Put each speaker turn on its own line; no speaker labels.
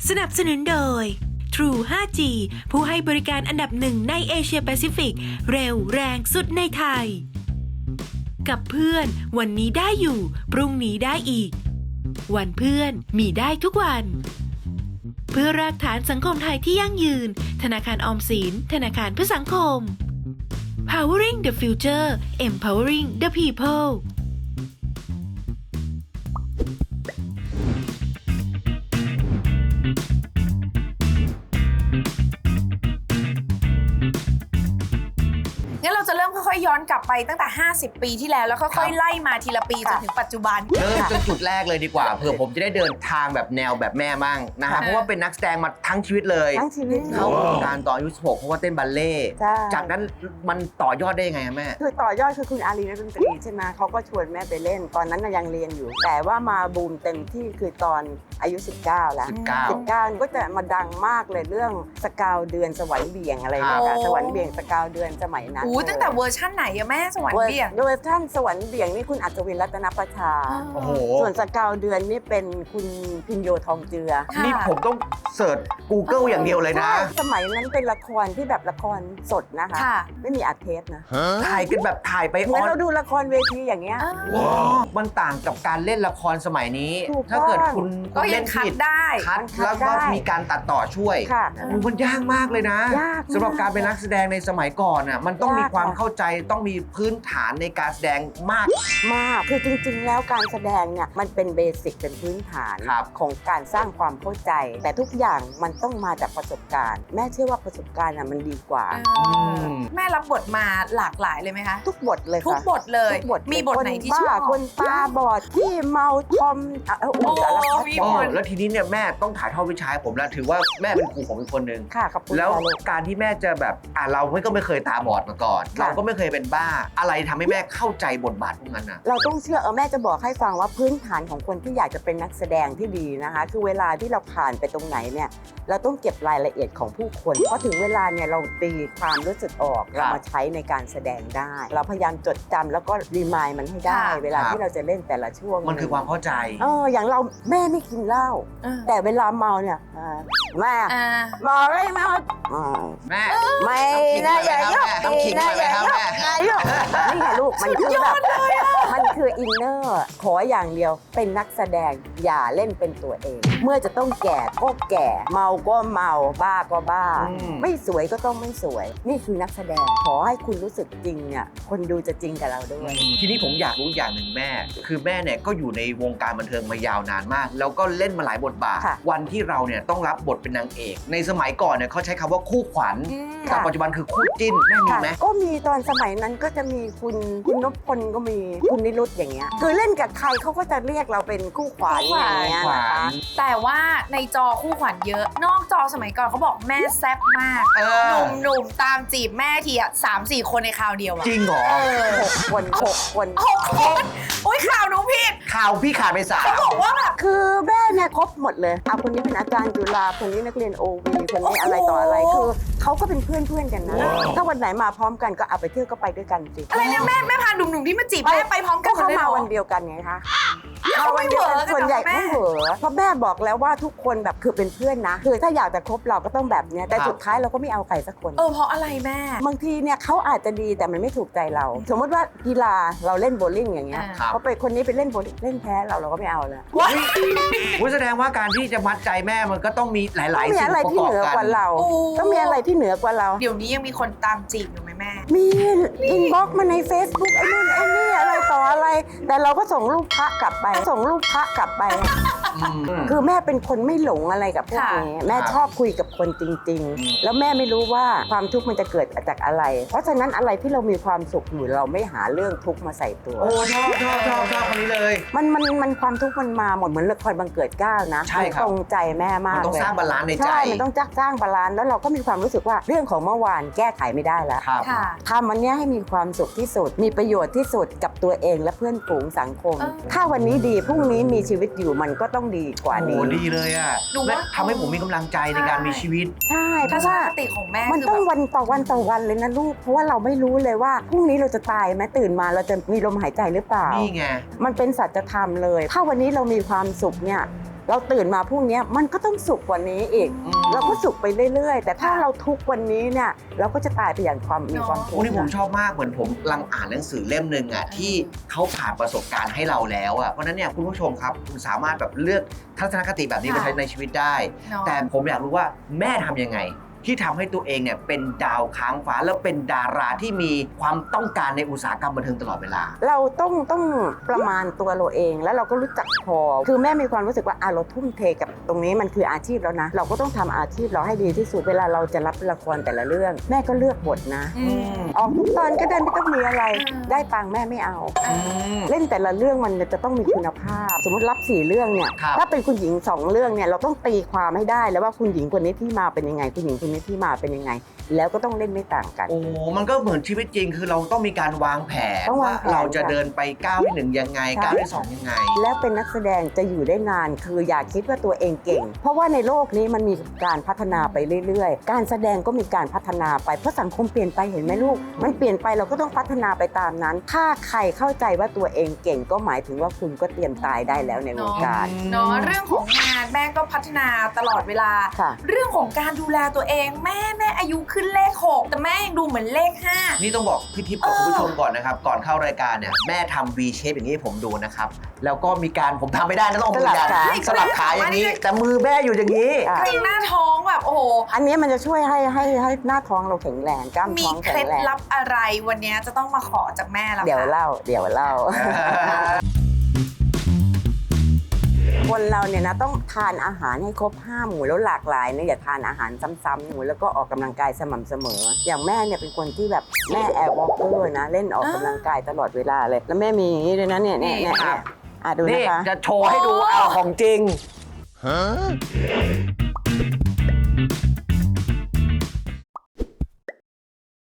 สนับสนุนโดย True 5G ผู้ให้บริการอันดับหนึ่งในเอเชียแปซิฟิกเร็วแรงสุดในไทยกับเพื่อนวันนี้ได้อยู่พรุ่งนี้ได้อีกวันเพื่อนมีได้ทุกวันเพื่อรากฐานสังคมไทยที่ยั่งยืนธนาคารออมสินธนาคารเพื่อสังคม Powering the Future Empowering the People
งั้นเราจะเริ่มค่อยๆย้อนกลับไปตั้งแต่50 ปีที่แล้วค่อยๆไล่มาทีละปีจนถึงปัจจุบัน
เริ่มจนจุดแรกเลยดีกว่าเผื่อผมจะได้เดินทางแบบแนวแบบแม่มั่งนะฮะเพราะว่าเป็นนักแสดงมาทั้งชีวิตเลย
ทั้งชีวิต
เข้าวงการตอนอายุ16เพราะว่าเต้นบัลเล่ต์จากนั้นมันต่อยอดได้ยังไงแม่
คือต่อยอดคือคุณอารีนักดนตรีใช่ไหมเขาก็ชวนแม่ไปเล่นตอนนั้นยังเรียนอยู่แต่ว่ามาบูมเต็มที่คือตอนอายุ19แล้ว19ก็จะมาดังมากเลยเรื่องสกาวเดือนสวรรค์เบี่ยงอะไรนะคะสวรรค์เบี่ยงสกาวเดือนสมัยนั้น
ตั้งแต่เวอร์ชั่นไหนอะแม่สวรรค์เบี่ยง
โดยท่านสวรรค์เบี่ยงนี่คุณอัศวินรัตนประชาส่วนสกาวเดือนนี่เป็นคุณพิญโยทองเจือ
นี่ผมต้องเสิร์ช Google อย่างเดียวเลยนะ
สมัยนั้นเป็นละครที่แบบละครสดนะคะไม่มีอัดเทปนะ
ถ่ายกันแบบถ่ายไป
เหมือนเราดูละครเวทีอย่างเงี้ย
มันต่างกับการเล่นละครสมัยนี้ถ้าเกิดคุณเล่นผิดคัดแล้วก็มีการตัดต่อช่วยมันยากมากเลยนะสำหรับการเป็นนักแสดงในสมัยก่อนน่ะมันต้องมีความเข้าใจต้องมีพื้นฐานในการแสดงมาก
คือจริงๆแล้วการแสดงเนี่ยมันเป็นเบสิกเป็นพื้นฐานของการสร้างความเข้าใจแต่ทุกอย่างมันต้องมาจากประสบการณ์แม่เชื่อว่าประสบการณ์มันดีกว่า
แม่รับบทมาหลากหลายเลยไหมคะ
ทุกบทเลย
ทุกบทเลยมีบทไหนที่ชอบ
คนตาบอดที่เมาทอม
สารพัดแล้วทีนี้เนี่ยแม่ต้องถ่ายทอดวิชาให้ผมแล้วถือว่าแม่เป็นครูผมเป็นคนหนึ่งแล้วการที่แม่จะแบบเราก็ไม่เคยตาบอดมาก่อนเราก็ไม่เคยเป็นบ้าอะไรทำให้แม่เข้าใจบทบาทพวกนั้นนะ
เราต้องเชื่อแม่จะบอกให้ฟังว่าพื้นฐานของคนที่อยากจะเป็นนักแสดงที่ดีนะคะคือเวลาที่เราผ่านไปตรงไหนเนี่ยเราต้องเก็บรายละเอียดของผู้คนพอถึงเวลาเนี่ยเราตีความรู้สึกออกเรามาใช้ในการแสดงได้เราพยายามจดจำแล้วก็รีมายมันให้ได้เวลาที่เราจะเล่นแต่ละช่วง
มันคือความเข้าใจ
อย่างเราแม่ไม่กินเหล้าแต่เวลาเมาเนี่ยแม่บอกเลยแม่ไม่นะอย่ายุ่ง
ต้องขิงหน่อยไหมครับแม่
นี่ไงลูกมันคือแบบมันคืออินเนอร์ขออย่างเดียวเป็นนักแสดงอย่าเล่นเป็นตัวเองเมื่อจะต้องแก่ก็แก่เมาก็เมาบ้าก็บ้าไม่สวยก็ต้องไม่สวยนี่คือนักแสดงขอให้คุณรู้สึกจริงเนี่ยคนดูจะจริงกับเราด้วย
ทีนี้ผมอยากรู้อย่างหนึ่งแม่คือแม่เนี่ยก็อยู่ในวงการบันเทิงมายาวนานมากแล้วก็เล่นมาหลายบทบาทวันที่เราเนี่ยต้องรับบทเป็นนางเอกในสมัยก่อนเนี่ยเขาใช้คำว่าคู่ขวัญแต่ปัจจุบันคือคู่จิ้นแม่มีไหม
ก็มีตอนสมัยนั้นก็จะมีคุณนพพลก็มีคุณนิรุตอย่างเงี้ยคือเล่นกับใครเขาก็จะเรียกเราเป็นคู่ขวัญอย่างเงี้ยนะคะ
แต่ว่าในจอคู่ขวัญเยอะนอกจอสมัยก่อนเขาบอกแม่แซ่บมากหนุ่มตามจีบแม่ทีอ่ะ3-4 คนในคราวเดียวอะ
จริงเหรอ
6 คน
โอ้ยข่าวหนูผิด
ข่าวพี่ขาดไป3
เขาบอกว่าแบบ
คือแม่เนี่ยครบหมดเลยคนนี้เป็นอาจารย์จุฬาคนนี้นักเรียนโอวีคนนี้อะไรต่ออะไรคือเขาก็เป็นเพื่อนกันนะถ้าวันไหนมาพร้อมกันก็เอาไปเที่ยวก็ไปด้วยกันสิ
อะไรเนี่ยแม่พาหนุ่มๆที่มาจีบแม่ไปพร้อมกัน
เขามาวันเดียวกันไงคะ
เขาไม่เหวอ
ส่วนใหญ่ไม่เหวอเพราะแม่บอกแล้วว่าทุกคนแบบคือเป็นเพื่อนนะคือถ้าอยากจะคบเราก็ต้องแบบเนี้ยแต่สุดท้ายเราก็ไม่เอาใครสักคน
เพราะอะไรแม่
บางทีเนี่ยเขาอาจจะดีแต่มันไม่ถูกใจเราสมมติว่ากีฬาเราเล่นโบว์ลิ่งอย่างเงี้ยเขาไปคนนี้ไปเล่นโบว์ลิ่งเล่นแพ้เราก็ไม่เอาแล้ว
แสดงว่าการที่จะมัดใจแม่มันก็ต้องมีหลายๆสิ่งประกอบกัน
ที่เหนือกว่าเราต้องมีอะไรที่เหนือกว่าเรา
เดี๋ยวนี้ยังมีคนตามจีบอยู่ไหมแม่
มีอินบ็อกซ์มาใน Facebook ไอ้นู่นไอ้นี่อะไรต่ออะไรแต่เราก็ส่งรูปพระกลับไปคือแม่เป็นคนไม่หลงอะไรกับพวกนี้แม่ชอบคุยกับคนจริงๆแล้วแม่ไม่รู้ว่าความทุกข์มันจะเกิดจากอะไรเพราะฉะนั้นอะไรที่เรามีความสุขอยู่เราไม่หาเรื่องทุกข์มาใส่ตัว
โอ้ชอบคนนี้เลย
มันความทุกข์มันมาหมดเหมือนละครบังเกิดเกล้านะตรงใจแม่มาก
มันต้องสร้างบาลานซ์ในใจ
ใช่มันต้องสร้างบาลานซ์แล้วเราก็มีความรู้สึกว่าเรื่องของเมื่อวานแก้ไขไม่ได้แล้วทำวันนี้ให้มีความสุขที่สุดมีประโยชน์ที่สุดกับตัวเองและเพื่อนฝูงสังคมถ้าวันนี้ดีพรุ่งนี้มีชีวิตอยู่มันก็ต้องดีกว่านี้
โอ้ดีเลยอ่ะทำให้ผมมีกำลังใจในการมีชีวิต
ใช่เพราะว่า
สติของแม่
มันต้องวันต่อวันเลยนะลูกเพราะว่าเราไม่รู้เลยว่าพรุ่งนี้เราจะตายไหมตื่นมาเราจะมีลมหายใจหรือเปล่า
นี่ไง
มันเป็นสัจธรรมเลยถ้าวันนี้เรามีความสุขเนี่ยเราตื่นมาพรุ่งนี้มันก็ต้องสุขกว่านี้อีก เราก็สุขไปเรื่อยๆแต่ถ้าเราทุกข์วันนี้เนี่ยเราก็จะตายไปอย่างมีความทุก
โอ้
ข์
นี่ผมชอบมากเหมือนผมกำลังอ่านหนังสือเล่มหนึ่งอ่ะที่เขาผ่านประสบการณ์ให้เราแล้วอ่ะเพราะฉะนั้นเนี่ยคุณผู้ชมครับคุณสามารถแบบเลือกทัศนคติแบบนี้ไปใช้ในชีวิตได้ แต่ผมอยากรู้ว่าแม่ทำยังไงที่ทำให้ตัวเองเนี่ยเป็นดาวค้างฟ้าแล้วเป็นดาราที่มีความต้องการในอุตสาหกรรมบันเทิงตลอดเวลา
เราต้องประมาณตัวเราเองแล้วเราก็รู้จักพอคือแม่มีความรู้สึกว่าเราทุ่มเทกับตรงนี้มันคืออาชีพแล้วนะเราก็ต้องทำอาชีพเราให้ดีที่สุดเวลาเราจะรับละครแต่ละเรื่องแม่ก็เลือกบทนะออกทุกตอนก็ได้ไม่ต้องมีอะไรได้ตังค์แม่ไม่เอาเล่นแต่ละเรื่องมันจะต้องมีคุณภาพสมมติรับ4เรื่องเนี่ยถ้าเป็นคุณหญิง2เรื่องเนี่ยเราต้องตีความให้ได้แล้วว่าคุณหญิงคนนี้ที่มาเป็นยังไงคุณหญิงคนนี้ที่มาเป็นยังไงแล้วก็ต้องเล่นไม่ต่างกัน
โอ้มันก็เหมือนชีวิตจริงคือเราต้องมีการวางแผน
ต้องวา
ว่าง
แผน
เราจะเดินไปก้าวที่1ยังไงก้าวที่2ยังไง
แล้วเป็นนักแสดงจะอยู่ได้นานคืออย่าคิดว่าตัวเองเก่ง เพราะว่าในโลกนี้มันมีการพัฒนาไปเรื่อยๆการแสดงก็มีการพัฒนาไปเพราะสังคมเปลี่ยนไปเห็นไหมลูกมันเปลี่ยนไปเราก็ต้องพัฒนาไปตามนั้น ถ้าใครเข้าใจว่าตัวเองเก่งก็หมายถึงว่าคุณก็เตรียมตายได้แล้วในวงการ
เนาะเรื่องของงานแม่ก็พัฒนาตลอดเวลา
ค่ะ
เรื่องของการดูแลตัวเองแม่อายุขึ้นเลข 6 แต่แม่ยังดูเหมือนเลข 5
นี่ต้องบอกพี่ทิพย์กับคุณผู้ชมก่อนนะครับก่อนเข้ารายการเนี่ยแม่ทำ V shape อย่างนี้ให้ผมดูนะครับแล้วก็มีการผมทำไม่ได้นะต้องเอามือยันสลับขาอย่างนี้ แต่มือแม่อยู่อย่างนี้
อ่ะ
ข้างหน้าท้องแบบโอ้โห
อันนี้มันจะช่วยให้หน้าท้องเราแข็งแรงกล้าม
มี
ท้อง
เค
แข็
ล็
ง
ด
แรง
ลับอะไรวันนี้จะต้องมาขอจากแม่แล้ว
เดี๋ยว
ค่ะ
เล่า คนเราเนี่ยนะต้องทานอาหารให้ครบ5 หมู่แล้วหลากหลายนะอย่าทานอาหารซ้ำๆหมู่แล้วก็ออกกำลังกายสม่ำเสมอ อย่างแม่เนี่ยเป็นคนที่แบบแม่แอร์วอล์กเกอร์นะเล่นออกกำลังกายตลอดเวลาเลย แล้วแม่มีอย่างนี้ด้วยนะเนี่ยดู
นี่
นะคะ
จะโชว์ให้ดูเอาของจริง